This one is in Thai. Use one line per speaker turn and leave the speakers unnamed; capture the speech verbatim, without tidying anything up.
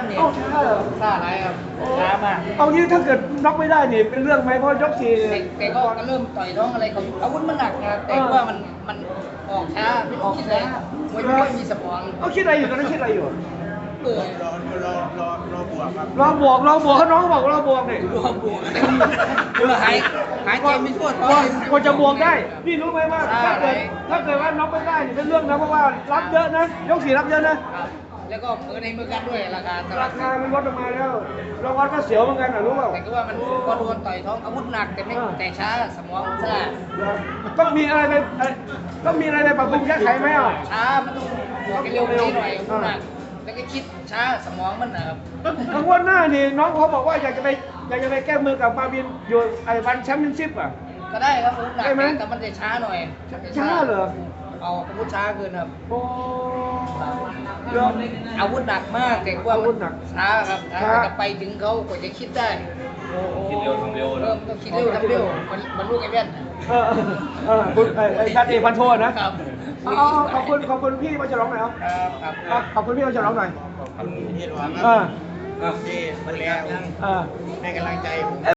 ครับเนี่ย
เอ้าช้าเหรอ
ช้าอะไรครับช้ามาก
เอางี้ถ้าเกิดน็อกไม่ได้นี่เป็นเรื่องไหมเพราะยกสี่
แต่แต่ก็ก็เริ่มต่อยท้องอะไรเขาอาวุธมันหนักนะครับแต่ว่ามันมันออกช้าไม่ต้องคิดเลยมวยไม่ค่อยมีสมอง
เอาคิดอะไรอยู่ตอนนั้นคิดอะไรอยู่
เบื่อ
รอรอรอรอบวกครับ
รอบวกรอบวกเขาน้องบอกรอบวกนี่
รอบวกเบื่อหายหายใจไม่ทั่วท้อง
กว่าจะบวกได้พี่รู้ไหมว่าถ้าเกิดถ้าเกิดว่าน็อกไม่ได้นี่เป็นเรื่องนะเพราะว่ารับเยอะนะยกสี่รับเยอะนะครับ
แล้วก็มือในมือกันด้วยราคาตลา
รา
ด
คามันลดลงมาแล้วรางวัลก็เสียวเหมือนกันนะรู้เปล่า
แต่ก็ว่ามันพอโดนต่อยท้องอาวุธหนักแต่ไม่แต่ช้าสมองช้า
ต้องมีอะไรไปเอ่อต้องมีอะไรไปปรับปรุงแก้ไขไหมอ่ะ
ช้ามันต้องบวกให้เร็วกว่านี้หน่อยอาวุธหนักแล้วก็คิดช้าสมองมันนะครับ
ทางวันหน้านี่น้องเขาบอกว่าอยากจะไปอยากจะไปแก้มือกับมาบินอยู่ไอ้วันแชมเปี้ยนชิพอ่ะ
ก็ได้ครับอาวุธหนัก
ได้ไหม
แต่มันจะช้าหน่อย
ช้าเหรอ
เอาอาวุธช้าเกินครับ
โอ้เดี๋ยว
อาวุธหนักมากแต่ว่า
อาวุธหนัก
ช้าครับช้า
ช้า
จะไปถึงเขากว่าจะคิดได้
โอ้โห
คิดเร็วทำเร็ว
เริ่มต้องคิดเร็วทำเร็วมันมันลูกไอ้แว่น
เออเออคุณไอ้ไอ้ชัดเอกพันโทนะครับ เอาเอาขอบคุณขอบคุณพี่มาฉลองหน่อยครับ
ครับครับ
ขอบคุณพี่มาฉลองหน่อย
ขอบคุณที่รอค
เอ
รั
อ
บที่มาเลี้ยง
เออ
ให้กำลังใจผม